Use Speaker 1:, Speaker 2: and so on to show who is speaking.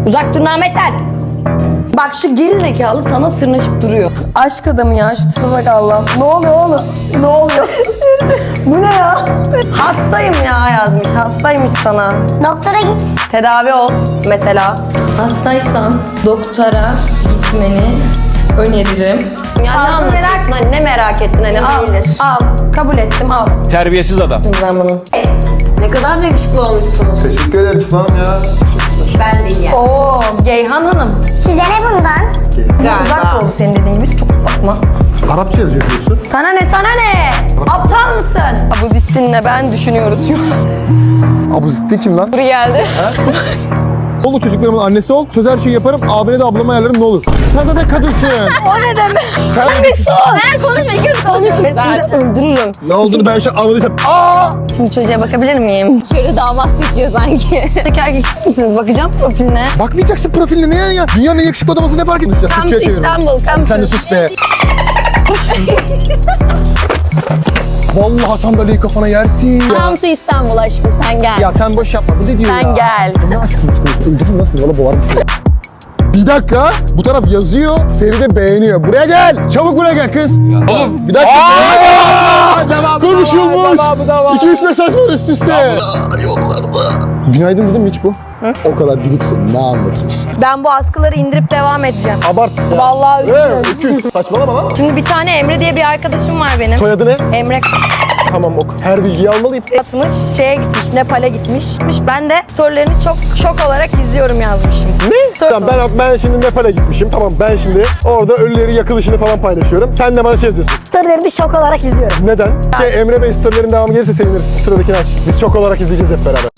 Speaker 1: Uzak durun Ahmet'ten. Bak şu geri zekalı sana sırnaşıp duruyor. Aşk adamı ya, şu tipe bak Allah. Ne oluyor oğlum? Ne oluyor? Bu ne ya? Hastayım ya yazmış. Hastaymış sana.
Speaker 2: Doktora git.
Speaker 1: Tedavi ol mesela. Hastaysan doktora gitmeni öneririm. Ya ne anlatıyorsun? Hani ne merak ettin hani? Al. Kabul ettim, al.
Speaker 3: Terbiyesiz adam.
Speaker 1: Ben bunu.
Speaker 4: Ne kadar yakışıklı olmuşsunuz.
Speaker 5: Teşekkür ederim Tuna'm ya.
Speaker 4: Ben de iyi.
Speaker 1: Oo, Geyhan Hanım.
Speaker 2: Size ne bundan?
Speaker 1: Uzak ol senin dediğin gibi. Çok bakma.
Speaker 5: Arapça yazıyor diyorsun.
Speaker 1: Sana ne, sana ne? Aptal mısın? Abuzittin'le ben düşünüyoruz şu an.
Speaker 5: Abu Zitti kim lan?
Speaker 1: Buraya geldi.
Speaker 5: Oğlum çocuklarımın annesi ol. Söz her şeyi yaparım. Abine de ablama ayarlarım ne olur. Sen zaten kadınsın.
Speaker 1: O ne demek?
Speaker 5: Sen
Speaker 1: Bir sus. Sen konuşma, ikimiz konuşuyoruz. Ben seni öldürürüm.
Speaker 5: ne olduğunu ben şu an anladıysam.
Speaker 1: Şimdi çocuğa bakabilir miyim?
Speaker 4: Körü damat seçiyor sanki.
Speaker 1: Tek erkek misiniz? Bakacağım profiline.
Speaker 5: Bakmayacaksın profiline ne ya? Dünyanın en yakışıklı adamı ne fark edeceğiz?
Speaker 1: Come to
Speaker 5: Türkçe'ye çeviriyorum.
Speaker 1: İstanbul, come
Speaker 5: Sen de
Speaker 1: to.
Speaker 5: sus be. Vallahi sandalyeyi kafana yersin ya.
Speaker 1: Come to İstanbul aşkım, sen gel.
Speaker 5: Ya sen boş yapma. Bu ne diyor
Speaker 1: Sen
Speaker 5: ya?
Speaker 1: gel.
Speaker 5: Ne aşkım çıkıyorsun? Öldürür nasıl? Valla boğar mısın? Bir dakika. Bu taraf yazıyor. Feride beğeniyor. Buraya gel. Çabuk buraya gel kız. Oğlum bir dakika. Konuşulmuş. 2-3 mesaj var üst üste. Yollarda. Günaydın dedim mi hiç bu? O kadar dili tutun. Ne anlatıyorsun?
Speaker 1: Ben bu askıları indirip devam edeceğim.
Speaker 5: Abart. Ya.
Speaker 1: Vallahi üzülüyorum.
Speaker 5: Öküz. Saçmalama lan.
Speaker 1: Şimdi bir tane Emre diye bir arkadaşım var benim.
Speaker 5: Soyadı ne?
Speaker 1: Emre
Speaker 5: Tamam ok. Her bilgiyi almalıyım.
Speaker 1: atmış, şeye gitmiş, Nepal'e gitmiş. Ben de storylerini çok şok olarak izliyorum yazmışım.
Speaker 5: Ne? Tamam ben şimdi Nepal'e gitmişim. Tamam ben şimdi orada ölüleri yakılışını falan paylaşıyorum. Sen de bana şey yazıyorsun.
Speaker 1: Storylerini şok olarak izliyorum.
Speaker 5: Neden? Emre Bey storylerin devamı gelirse seviniriz. Sıradakini aç. Biz şok olarak izleyeceğiz hep beraber.